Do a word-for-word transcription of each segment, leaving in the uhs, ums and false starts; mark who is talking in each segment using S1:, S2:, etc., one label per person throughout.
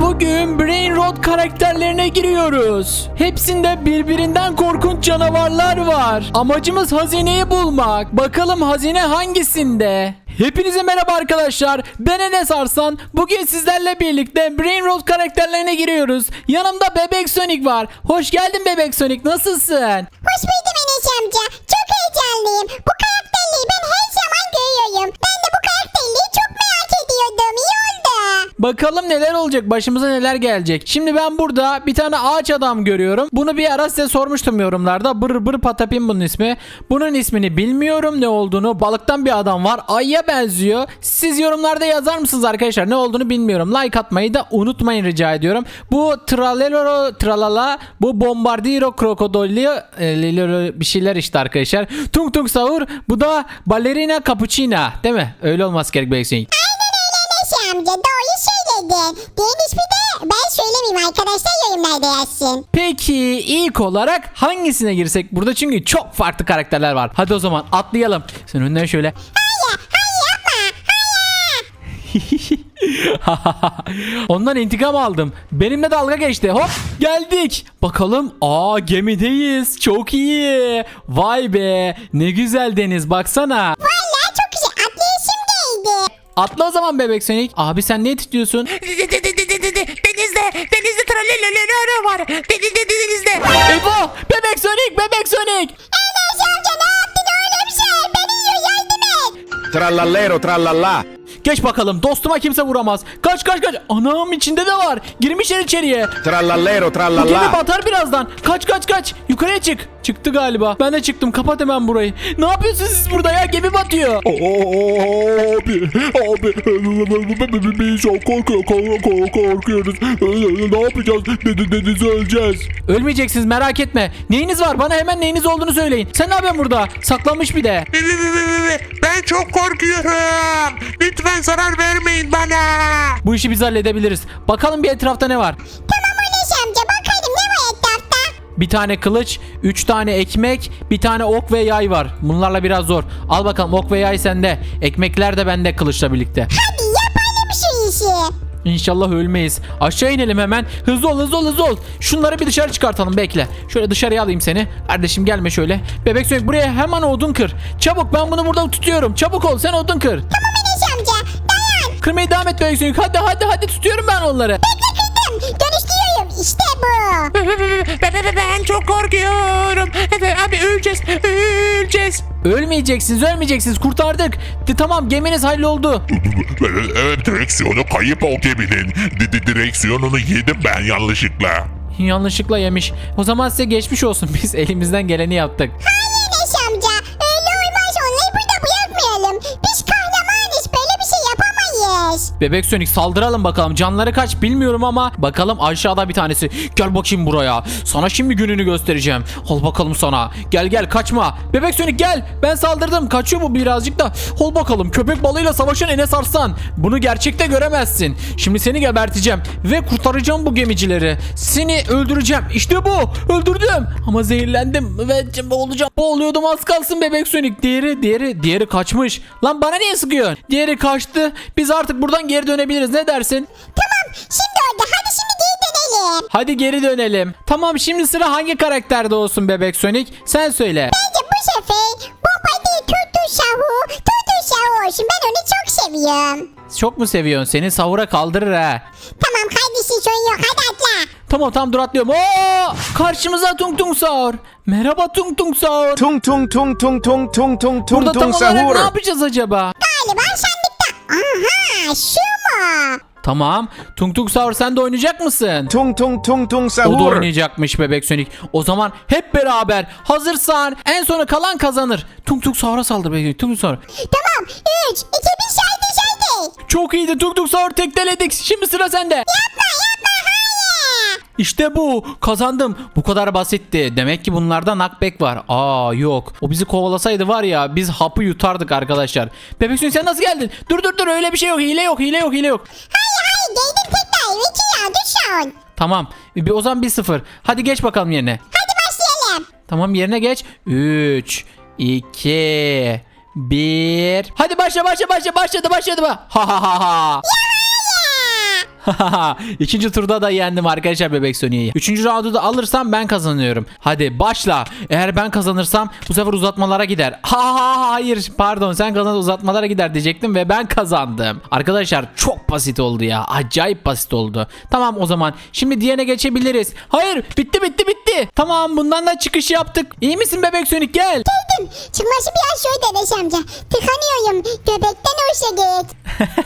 S1: bugün Brain Rot karakterlerine giriyoruz. Hepsinde birbirinden korkunç canavarlar var. Amacımız hazineyi bulmak. Bakalım hazine hangisinde? Hepinize merhaba arkadaşlar. Ben Enes Arslan. Bugün sizlerle birlikte Brain Rot karakterlerine giriyoruz. Yanımda Bebek Sonic var. Hoş geldin Bebek Sonic. Nasılsın?
S2: Hoş buldum Enes amca. Çok heyecanlıyım. Bu karakterliği ben her zaman görüyorum. Ben de bu karakterliği çok merak ediyordum. İyi oldu.
S1: Bakalım neler olacak, başımıza neler gelecek. Şimdi ben burada bir tane ağaç adam görüyorum. Bunu bir ara size sormuştum yorumlarda. Bır bır patapim bunun ismi. Bunun ismini bilmiyorum, ne olduğunu. Balıktan bir adam var. Ayıya benziyor. Siz yorumlarda yazar mısınız arkadaşlar? Ne olduğunu bilmiyorum. Like atmayı da unutmayın rica ediyorum. Bu Tralero Tralala, bu Bombardiro Krokodilli e, bir şeyler işte arkadaşlar. Tung Tung Sahur, bu da Ballerina Cappuccina, değil mi? Öyle olması gerek belki.
S2: Aynen öyle Enes amca. Doğru söyledin. Diğer ismi de ben söylemeyeyim, arkadaşlar yorumlarda yazsın.
S1: Peki ilk olarak hangisine girsek burada, çünkü çok farklı karakterler var. Hadi o zaman atlayalım. Sen önden şöyle.
S2: Hayır, hayır yapma, hayır.
S1: Ondan intikam aldım. Benimle dalga geçti. Hop geldik. Bakalım. Aa, gemideyiz. Çok iyi. Vay be. Ne güzel deniz, baksana.
S2: Vallahi çok güzel. Atlayışım geldi.
S1: Atla o zaman Bebek Sonic. Abi sen ne tutuyorsun?
S3: Denizde, denizde tralelelelele var. Denizde, denizde.
S1: Ebo! Bebek Sonic! Bebek Sonic!
S2: Enes amca ne yaptın oğlum sen? Beni yiyor, yardım et.
S4: Trallallero trallallà.
S1: Geç bakalım. Dostuma kimse vuramaz. Kaç kaç kaç. Anam, içinde de var. Girmişler içeriye.
S4: Trallallero
S1: Bu gemi
S4: trallallà.
S1: batar birazdan. Kaç kaç kaç. Yukarıya çık. Çıktı galiba. Ben de çıktım. Kapat hemen burayı. Ne yapıyorsunuz siz burada ya? Gemi batıyor.
S5: Abi, abi, biz çok korkuyor, kork- korkuyoruz. Ne yapacağız? Dedi denize öleceğiz.
S1: Ölmeyeceksiniz, merak etme. Neyiniz var? Bana hemen neyiniz olduğunu söyleyin. Sen ne yapıyorsun burada? Saklanmış bir de.
S3: Ben çok korkuyorum. Lütfen zarar vermeyin bana.
S1: Bu işi biz halledebiliriz. Bakalım bir etrafta ne var?
S2: Tamam Enes amca, bakalım ne var etrafta?
S1: Bir tane kılıç, üç tane ekmek, bir tane ok ve yay var. Bunlarla biraz zor. Al bakalım, ok ve yay sende. Ekmekler de bende kılıçla birlikte.
S2: Hadi yapalım şu işi.
S1: İnşallah ölmeyiz. Aşağı inelim hemen. Hızlı ol, hızlı ol, hızlı ol. Şunları bir dışarı çıkartalım, bekle. Şöyle dışarıya alayım seni. Kardeşim gelme şöyle. Bebek Sonic, buraya hemen odun kır. Çabuk, ben bunu burada tutuyorum. Çabuk ol, sen odun kır.
S2: Tamam Enes amca, dayan.
S1: Kırmaya devam et Bebek Sonic. Hadi hadi hadi, tutuyorum ben onları.
S2: Bekle, kırdım. Dönüştürüyorum. İşte bu.
S3: Ben çok korkuyorum. Abi öleceğiz, öleceğiz.
S1: Ölmeyeceksiniz, ölmeyeceksiniz. Kurtardık. De, tamam, geminiz halloldu.
S5: Evet, direksiyonu kayıp o geminin. Di- di- Direksiyonunu yedim ben yanlışlıkla.
S1: Yanlışlıkla yemiş. O zaman size geçmiş olsun. Biz elimizden geleni yaptık.
S2: Hayır Enes amca. Öyle olmaz. Onları burada bırakmayalım. Biz kahramanız. Böyle bir şey yapamayız.
S1: Bebek Sonic, saldıralım bakalım. Canları kaç bilmiyorum ama bakalım, aşağıda bir tanesi. Gel bakayım buraya. Sana şimdi gününü göstereceğim. Al bakalım sana. Gel gel, kaçma. Bebek Sonic gel. Ben saldırdım. Kaçıyor bu birazcık da. Ol bakalım. Köpek balığıyla savaşan Enes Arslan. Bunu gerçekte göremezsin. Şimdi seni geberteceğim. Ve kurtaracağım bu gemicileri. Seni öldüreceğim. İşte bu. Öldürdüm. Ama zehirlendim. Ve boğulacağım. Boğuluyordum, az kalsın Bebek Sonic. Diğeri, diğeri, diğeri kaçmış. Lan bana niye sıkıyorsun? Diğeri kaçtı. Biz artık buradan geri dönebiliriz. Ne dersin?
S2: Tamam. Şimdi orada. Hadi şimdi geri dönelim.
S1: Hadi geri dönelim. Tamam, şimdi sıra hangi karakterde olsun Bebek Sonic? Sen söyle.
S2: Bence bu sefer bu body tutu şahu. Tutu şahu olsun. Ben onu çok seviyorum.
S1: Çok mu seviyorsun? Seni sahura kaldırır ha.
S2: Tamam kardeşim, sorun yok. Hadi atla.
S1: Tamam tamam, dur atlıyorum. Oo! Karşımıza Tung Tung Sahur. Merhaba Tung Tung Sahur.
S4: Tung tung tung tung tung tung tung
S1: Burada
S4: tung
S1: tam
S4: tung
S1: olarak
S4: sahur.
S1: ne yapacağız acaba?
S2: Galiba sandıkta. Aha, şu mu?
S1: Tamam. Tung Tung Sahur, sen de oynayacak mısın?
S4: Tung tung tung tung
S1: O da
S4: sahur.
S1: oynayacakmış Bebek Sonic. O zaman hep beraber, hazırsan en sona kalan kazanır. Tung Tung Sahur'a saldır Bebek Sonic. Tung Tung Sahur.
S2: Tamam. Üç, iki, bir, saydı saydı.
S1: Çok iyiydi Tung Tung Sahur, tekteledik. Şimdi sıra sende.
S2: Yapma yapma, hayır.
S1: İşte bu. Kazandım. Bu kadar basitti. Demek ki bunlarda knockback var. Aa yok. O bizi kovalasaydı var ya, biz hapı yutardık arkadaşlar. Bebek Sonic, sen nasıl geldin? Dur dur dur, öyle bir şey yok. Hile yok, hile yok, hile yok.
S2: Hayır hayır, geldim tekrar. İki ya, düş şu an.
S1: Tamam. Bir, o zaman bir sıfır. Hadi geç bakalım yerine.
S2: Hadi başlayalım.
S1: Tamam, yerine geç. üç, iki, bir. Hadi başla başla başla. Başladı başladı. Ha ha ha ha. İkinci turda da yendim arkadaşlar Bebek Sonic'i. Üçüncü roundu da alırsam ben kazanıyorum. Hadi başla. Eğer ben kazanırsam bu sefer uzatmalara gider. Ha ha hayır pardon sen kazan uzatmalara gider diyecektim ve ben kazandım. Arkadaşlar çok basit oldu ya. Acayip basit oldu. Tamam o zaman şimdi diğerine geçebiliriz. Hayır bitti bitti bitti. Tamam bundan da çıkış yaptık. İyi misin Bebek Sonic gel.
S2: Geldim. Çıkması biraz şöyle Enes amca. Tıkanıyorum. Göbekten hoşa git.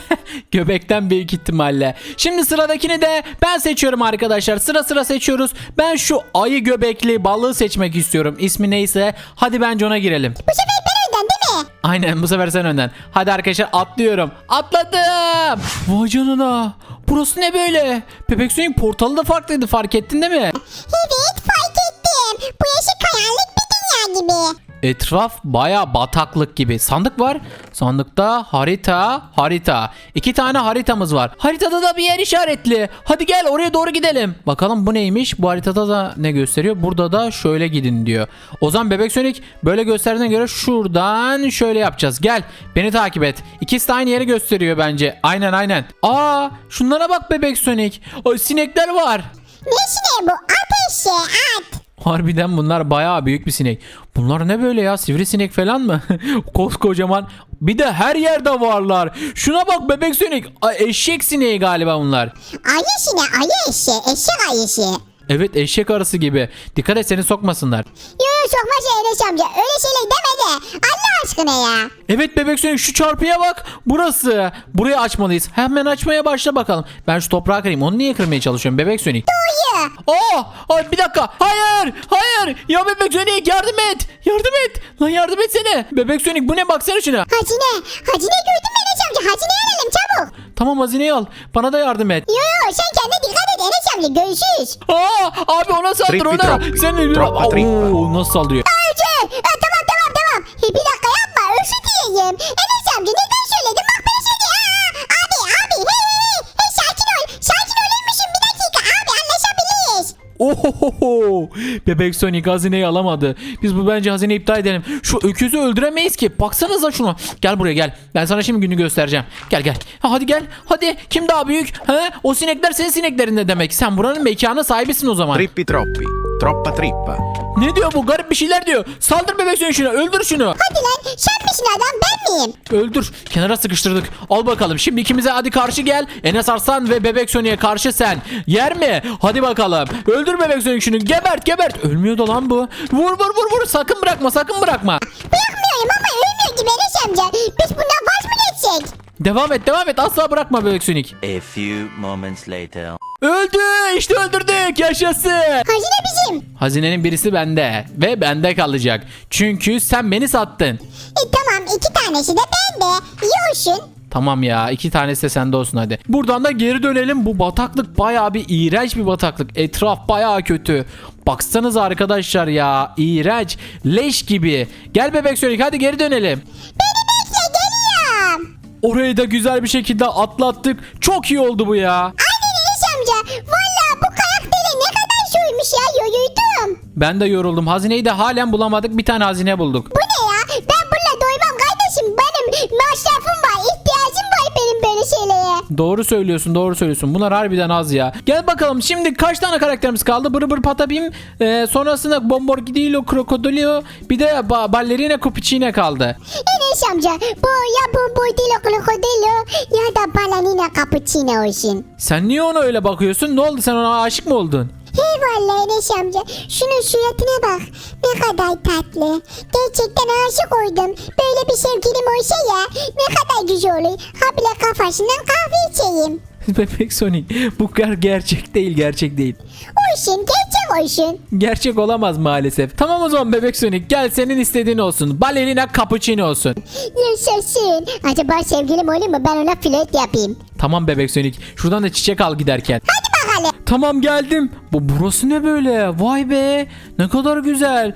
S1: Göbekten büyük ihtimalle. Şimdi sıradakini de ben seçiyorum arkadaşlar. Sıra sıra seçiyoruz. Ben şu ayı göbekli balığı seçmek istiyorum. İsmi neyse. Hadi bence ona girelim.
S2: Bu sefer ben önden değil mi?
S1: Aynen bu sefer sen önden. Hadi arkadaşlar atlıyorum. Atladım. Vay canına. Burası ne böyle? Bebek Sonic portalı da farklıydı fark ettin değil mi?
S2: Evet fark ettim. Bu yaşı karanlık bir dünya gibi.
S1: Etraf baya bataklık gibi. Sandık var. Sandıkta harita, harita. İki tane haritamız var. Haritada da bir yer işaretli. Hadi gel oraya doğru gidelim. Bakalım bu neymiş? Bu haritada da ne gösteriyor? Burada da şöyle gidin diyor. O zaman Bebek Sonic böyle gösterdiğine göre şuradan şöyle yapacağız. Gel beni takip et. İkisi de aynı yeri gösteriyor bence. Aynen aynen. Aa şunlara bak Bebek Sonic. O sinekler var.
S2: Ne sineği bu? At eşeği at.
S1: Harbiden bunlar bayağı büyük bir sinek. Bunlar ne böyle ya? Sivrisinek falan mı? Koskocaman. Bir de her yerde varlar. Şuna bak Bebek Sonic. Ay, eşek sineği galiba bunlar.
S2: Ayı sineği ayı eşeği. Eşek ayısı.
S1: Evet eşek arısı gibi. Dikkat et seni sokmasınlar.
S2: Yoo sokma şey Enes amca. Öyle şeyler deme de. Allah aşkına ya.
S1: Evet Bebek Sonic şu çarpıya bak. Burası. Burayı açmalıyız. Hemen açmaya başla bakalım. Ben şu toprağı kırayım. Onu niye kırmaya çalışıyorum Bebek Sonic?
S2: Uyu.
S1: Aa, ay bir dakika. Hayır. Hayır. Ya Bebek Sonic yardım et. Yardım et. Lan yardım etsene. Bebek Sonic bu ne baksana şuna.
S2: Hazine. Hazine gördün mü Enes amca? Hazine alalım çabuk.
S1: Tamam hazineyi al. Bana da yardım et.
S2: Yo yo sen kendine dikkat et Enes amca. Görüşürüz.
S1: Aa, abi ona saldır
S4: Trippi
S1: ona.
S4: troppi.
S1: Sen
S4: Troppa trippa.
S1: Oo, nasıl saldırıyor?
S2: Önce. Ha, tamam tamam tamam. He, bir dakika yapma. Özür dileyim. Enes amca neden söyledin? Bak ben seni. Aa, abi abi. Hey hey. Hey sakin ol. Sakin olurmuşum bir dakika. Abi anlaşabiliriz.
S1: Ohohoho. Bebek Sonic hazineyi alamadı. Biz bu bence hazineyi iptal edelim. Şu öküzü öldüremeyiz ki. Baksanıza şunu. Gel buraya gel. Ben sana şimdi günü göstereceğim. Gel gel. Ha, hadi gel. Hadi. Kim daha büyük? He? O sinekler senin sineklerin ne demek? Sen buranın mekanı sahibisin o zaman.
S4: Trippi troppi. Troppa trippa.
S1: Ne diyor bu? Garip bir şeyler diyor. Saldır Bebek Sonic şuna. Öldür şunu.
S2: Hadi lan sen misin adam ben miyim?
S1: Öldür. Kenara sıkıştırdık. Al bakalım. Şimdi ikimize hadi karşı gel. Enes Arslan ve Bebek Sonic'e karşı sen. Yer mi? Hadi bakalım. Öldür Bebek Sonic şunu. Gebert gebert. Ölmüyor da lan bu. Vur vur vur vur. Sakın bırakma sakın bırakma.
S2: Bırakmıyorum ama ölmüyor gibi Enes amca. Biz bundan vaz mı geçsek?
S1: Devam et devam et. Asla bırakma Bebek Sonic.
S6: A few moments later.
S1: Öldü. İşte öldürdük. Yaşasın.
S2: Hazine bizim.
S1: Hazinenin birisi bende. Ve bende kalacak. Çünkü sen beni sattın.
S2: E tamam iki tanesi de bende. İyi olsun.
S1: Tamam ya iki tanesi de sende olsun hadi. Buradan da geri dönelim. Bu bataklık bayağı bir iğrenç bir bataklık. Etraf bayağı kötü. Baksanıza arkadaşlar ya. İğrenç. Leş gibi. Gel Bebek Sonic hadi geri dönelim.
S2: Beni bekle geliyorum.
S1: Orayı da güzel bir şekilde atlattık. Çok iyi oldu bu ya.
S2: Aynen Enes amca. Valla bu karakteri ne kadar soymuş ya yoruldum.
S1: Ben de yoruldum. Hazineyi de halen bulamadık. Bir tane hazine bulduk.
S2: Bu ne ya? Ben bununla doymam kardeşim. Benim masrafım var. İhtiyacım var benim böyle şeylere.
S1: Doğru söylüyorsun doğru söylüyorsun. Bunlar harbiden az ya. Gel bakalım şimdi kaç tane karakterimiz kaldı? Bır bır patapim. Ee, sonrasında Bombardillo, Krokodilo. Bir de ba Ballerina Cupichine kaldı.
S2: Enes amca bu ya bu boydilo krokodilo ya da balanina cappuccino olsun.
S1: Sen niye ona öyle bakıyorsun? Ne oldu sen ona aşık mı oldun?
S2: Hey vallahi Enes amca şunun suratına bak ne kadar tatlı. Gerçekten aşık oldum. Böyle bir sevgilim olsa ya ne kadar güzel olur. Ha bile kafasından kahve içeyim.
S1: Bebek Sonic bu ger gerçek değil gerçek değil.
S2: Olsun gerçek olsun.
S1: Gerçek olamaz maalesef. Tamam o zaman Bebek Sonic gel senin istediğin olsun. Ballerina cappuccino olsun.
S2: Yaşasın. Acaba sevgilim olur mu ben ona flört yapayım.
S1: Tamam Bebek Sonic şuradan da çiçek al giderken.
S2: Hadi bakalım.
S1: Tamam geldim. Bu burası ne böyle? Vay be. Ne kadar güzel.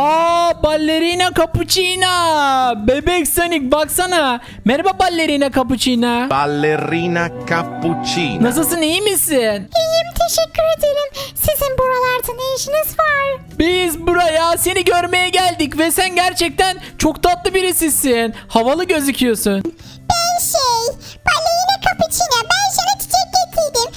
S1: Aa ballerina cappuccina. Bebek Sonic baksana. Merhaba ballerina cappuccina.
S4: Ballerina cappuccina.
S1: Nasılsın iyi misin?
S2: İyiyim teşekkür ederim. Sizin buralarda ne işiniz var?
S1: Biz buraya seni görmeye geldik ve sen gerçekten çok tatlı birisisin. Havalı gözüküyorsun.
S2: Ben şey balerina cappuccino ben sana çiçek getirdim.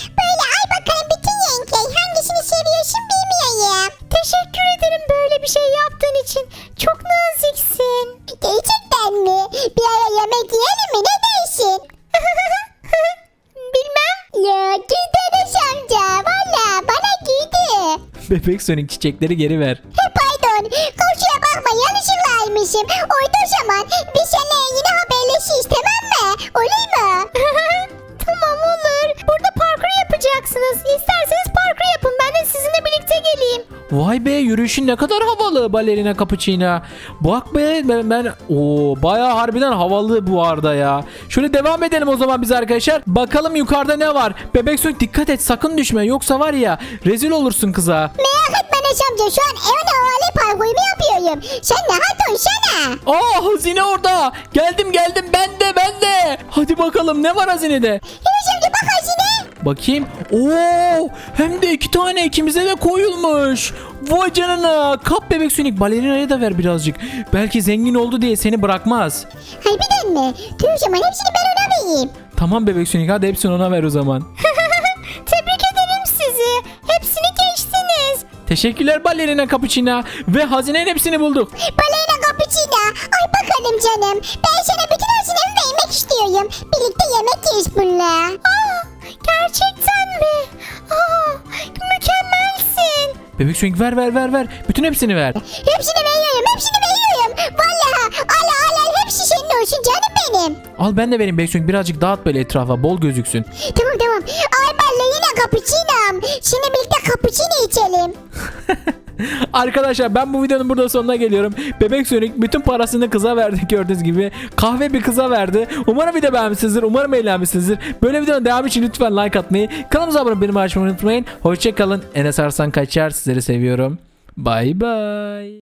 S1: Bebek Sonic çiçekleri geri ver.
S2: Pardon. Komşuya bakma yanlışlıkla almışım. Oydu o zaman. Biz seninle yine haberleşiriz tamam mı? Olur mu? Tamam olur. Burada parkur yapacaksınız. İsterseniz parkur yapın. Ben de sizinle birlikte geleyim.
S1: Vay be, yürüyüşün ne kadar havalı balerina cappuccino. Bak be, ben, ben o bayağı harbiden havalı bu arada ya. Şöyle devam edelim o zaman biz arkadaşlar. Bakalım yukarıda ne var? Bebek Sonic dikkat et, sakın düşme, yoksa var ya rezil olursun kıza.
S2: Merak etme Enes amca. Şu an en havalı parkurumu yapıyorum. Sen rahat ol sana.
S1: Aa, hazine orada. Geldim geldim, ben de ben de. Hadi bakalım ne var hazinede?
S2: Enes amca bak hazine.
S1: Bakayım. Oo, hem de iki tane ikimize de koyulmuş. Vay canına. Kap Bebek Sonic, balerinaya da ver birazcık. Belki zengin oldu diye seni bırakmaz.
S2: Harbiden mi? Tüh o zaman hepsini ben ona vereyim.
S1: Tamam Bebek Sonic, hadi hepsini ona ver o zaman.
S2: Tebrik ederim sizi. Hepsini geçtiniz.
S1: Teşekkürler balerina cappuccino. Ve hazinenin hepsini bulduk.
S2: Baleyna cappuccino. Ay bakalım canım. Ben sana bütün hazinemi vermek istiyorum. Birlikte yemek yeriz bununla. Aa, gerçekten mi? Aa, mükemmelsin.
S1: Bebek Sonic ver ver ver ver. Bütün hepsini ver.
S2: Hepsini veriyorum. Hepsini veriyorum. Vallahi ala ala hepsi senin olsun canım benim.
S1: Al ben de vereyim Bebek Sonic, birazcık dağıt böyle etrafa, bol gözüksün.
S2: Tamam tamam. Ay baleyna cappuccino'm. Şimdi birlikte cappuccino içelim.
S1: Arkadaşlar ben bu videonun burada sonuna geliyorum. Bebek Sonic bütün parasını kıza verdi, gördüğünüz gibi. Kahve bir kıza verdi. Umarım video beğenmişsinizdir. Umarım eğlenmişsinizdir. Böyle videonun devamı için lütfen like atmayı, kanalımıza abone olmayı, bildirimleri açmayı unutmayın. Hoşçakalın. Enes Arslan Kaçar. Sizleri seviyorum. Bye bye.